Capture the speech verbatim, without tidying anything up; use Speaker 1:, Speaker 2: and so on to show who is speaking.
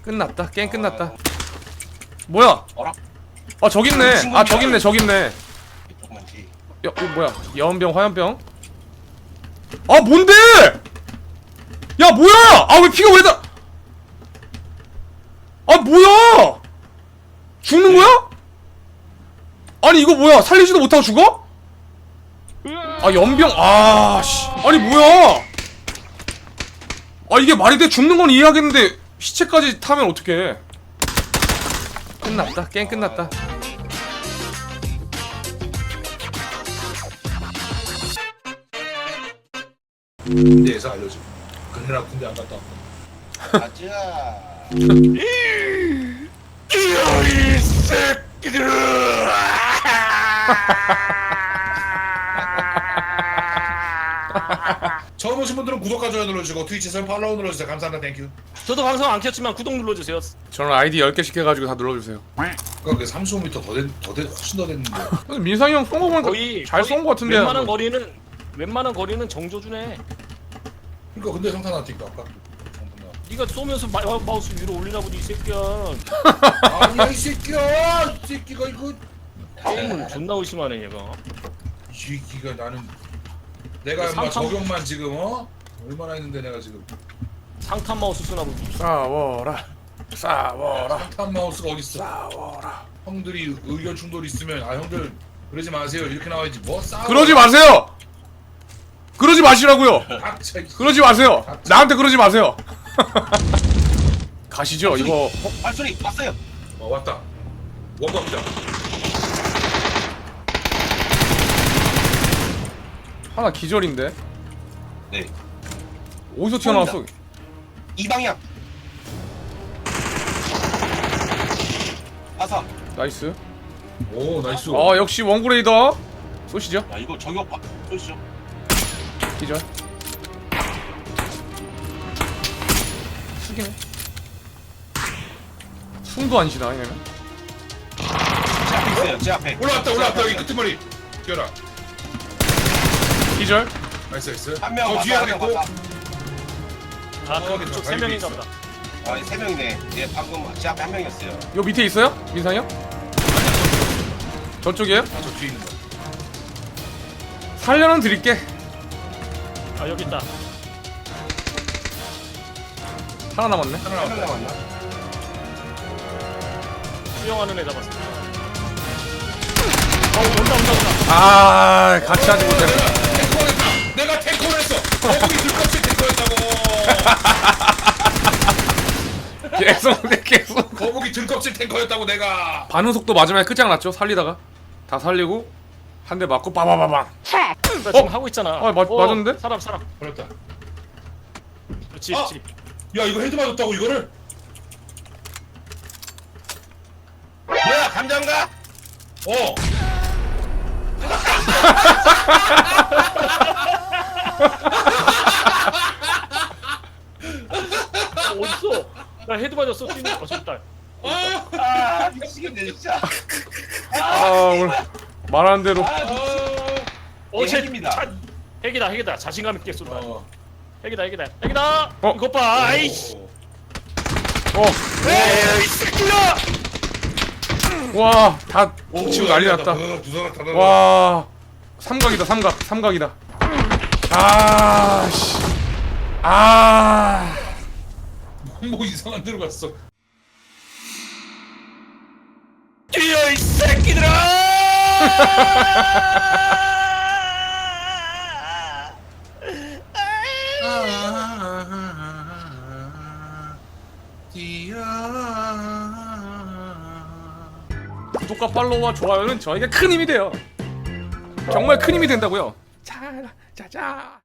Speaker 1: 끝났다. 게임 끝났다. 뭐야?
Speaker 2: 어라?
Speaker 1: 아 저기 있네. 아 저기 있네. 저기 있네.
Speaker 2: 조금만 뒤.
Speaker 1: 야, 이거 뭐야? 여운병, 화염병? 아 뭔데? 야 뭐야? 아 왜 피가 왜 다? 아 뭐야? 죽는 거야? 아니 이거 뭐야? 살리지도 못하고 죽어? 아 연병, 아 씨, 아니 뭐야? 아 이게 말이 돼? 죽는 건 이해하겠는데 시체까지 타면 어떡해? 끝났다. 게임 끝났다.
Speaker 3: 군대에서 알려줘. 그네라 군대 안 갔다 왔고.
Speaker 2: 가자.
Speaker 3: 이 새끼들아! 처음 오신 분들은 구독과 좋아요 눌러주시고 트위치에서 팔로우 눌러주세요. 감사합니다. 땡큐.
Speaker 4: 저도 방송 안 켰지만 구독 눌러주세요.
Speaker 1: 저는 아이디 열 개씩 해가지고 다 눌러주세요.
Speaker 3: 그러니까 그 삼십오 미터 더 된, 더 된, 훨씬 더 됐는데.
Speaker 1: 근데 민상이 형 쏜 거 보니까
Speaker 4: 거의
Speaker 1: 잘 쏜 거 같은데.
Speaker 4: 웬만한 거리는 웬만한 거리는 정조준해.
Speaker 3: 그러니까 근데 성탄 나왔니까 아까.
Speaker 4: 네가 쏘면서 마, 마우스 위로 올리나 보니 이 새끼야.
Speaker 3: 아니야 이 새끼야! 이 새끼가 이거.
Speaker 4: 게임은 존나 의심하네 얘가.
Speaker 3: 이 새끼가 나는 내가
Speaker 4: 삼-
Speaker 3: 인마
Speaker 4: 삼-
Speaker 3: 적용만 지금 어? 얼마나 했는데 내가 지금
Speaker 4: 상탄 마우스 쓰나 보니.
Speaker 1: 싸워라, 싸워라,
Speaker 3: 성탄 마우스가 어딨어?
Speaker 1: 싸워라.
Speaker 3: 형들이 의견 충돌 있으면 아 형들 그러지 마세요 이렇게 나와야지 뭐 싸워.
Speaker 1: 그러지 마세요. 그러지 마시라고요.
Speaker 3: 닥쳐. 이
Speaker 1: 그러지 마세요. 나한테 그러지 마세요. 가시죠. 이거
Speaker 2: 어, 발소리 왔어요.
Speaker 3: 어 왔다. 원박자.
Speaker 1: 하나 기절인데.
Speaker 2: 네.
Speaker 1: 어디서 튀어나왔어?
Speaker 2: 이 방향. 아사.
Speaker 1: 나이스.
Speaker 3: 오 나이스.
Speaker 1: 아 역시 원구레이더. 쏘시죠.
Speaker 2: 야 이거 저격 봐. 쏘시죠.
Speaker 1: 기절. 숙이네. 숨도 안 쉬나 얘는.
Speaker 2: 제 앞에 있어요. 제 앞에.
Speaker 3: 올라왔다 올라왔다 여기 끄트머리. 뛰어라.
Speaker 1: 기절.
Speaker 3: 나이스 나이스.
Speaker 2: 한 명
Speaker 3: 어 뒤에
Speaker 2: 왔다.
Speaker 3: 하나
Speaker 2: 한명
Speaker 3: 있고.
Speaker 2: 왔다.
Speaker 4: 아
Speaker 3: 어,
Speaker 4: 그럼
Speaker 3: 괜찮아.
Speaker 4: 그쪽 세 명인가 보다.
Speaker 2: 아, 세 명이네. 얘 방금 제 앞에 한 명이었어요.
Speaker 1: 요 밑에 있어요? 민상이 형? 저쪽이에요?
Speaker 3: 아, 저 뒤에 있는 거.
Speaker 1: 살려는 드릴게.
Speaker 4: 아 여기 있다.
Speaker 1: 하나 남았네.
Speaker 3: 하나
Speaker 2: 한 명
Speaker 3: 남았다.
Speaker 2: 남았나?
Speaker 4: 수영하는 애 잡았어. 어 온다 온다 온다.
Speaker 1: 아 같이 하지 못해.
Speaker 3: 내가 탱커를 했다. 내가 탱커를 했어. 거북이 들껍질 탱커였다고.
Speaker 1: 계속 계속.
Speaker 3: 거북이 들껍질 탱커였다고 내가.
Speaker 1: 반응 속도 마지막에 끝장났죠. 살리다가 다 살리고 한 대 맞고 빠바바방.
Speaker 4: 나 지금
Speaker 1: 어?
Speaker 4: 하고 있잖아.
Speaker 1: 아, 맞-
Speaker 4: 어,
Speaker 1: 맞았는데?
Speaker 4: 사람 사람.
Speaker 3: 그렇다.
Speaker 4: 그렇지
Speaker 3: 아!
Speaker 4: 그렇지.
Speaker 3: 야 이거 헤드 맞았다고 이거를?
Speaker 2: 뭐야 감정가?
Speaker 3: 어.
Speaker 4: 어, 어딨어? 나 헤드 맞았어. 뛰는 거 저기
Speaker 2: 아 미치겠네 진짜.
Speaker 1: 아 오늘 말하는 대로.
Speaker 2: 아 미치.
Speaker 4: 어, 쟤
Speaker 2: 핵입니다.
Speaker 4: 자- 핵이다 핵이다. 자신감 있게 쏜다.
Speaker 3: 어.
Speaker 4: 핵이다 핵이다 핵이다.
Speaker 1: 어?
Speaker 4: 이것 봐. 아이씨.
Speaker 1: 어.
Speaker 4: 에이 새끼야.
Speaker 1: 와, 다
Speaker 3: 오,
Speaker 1: 치고 난리 났다.
Speaker 3: 어, 두 사람 다 날라.
Speaker 1: 와, 삼각이다, 삼각, 삼각이다. 아, 씨. 아.
Speaker 3: 뭐 이상한 데로 갔어.
Speaker 4: 뛰어 이 새끼들아.
Speaker 1: 구독과 팔로우와 좋아요는 저에게 큰 힘이 돼요. 정말 큰 힘이 된다고요. 자, 자자.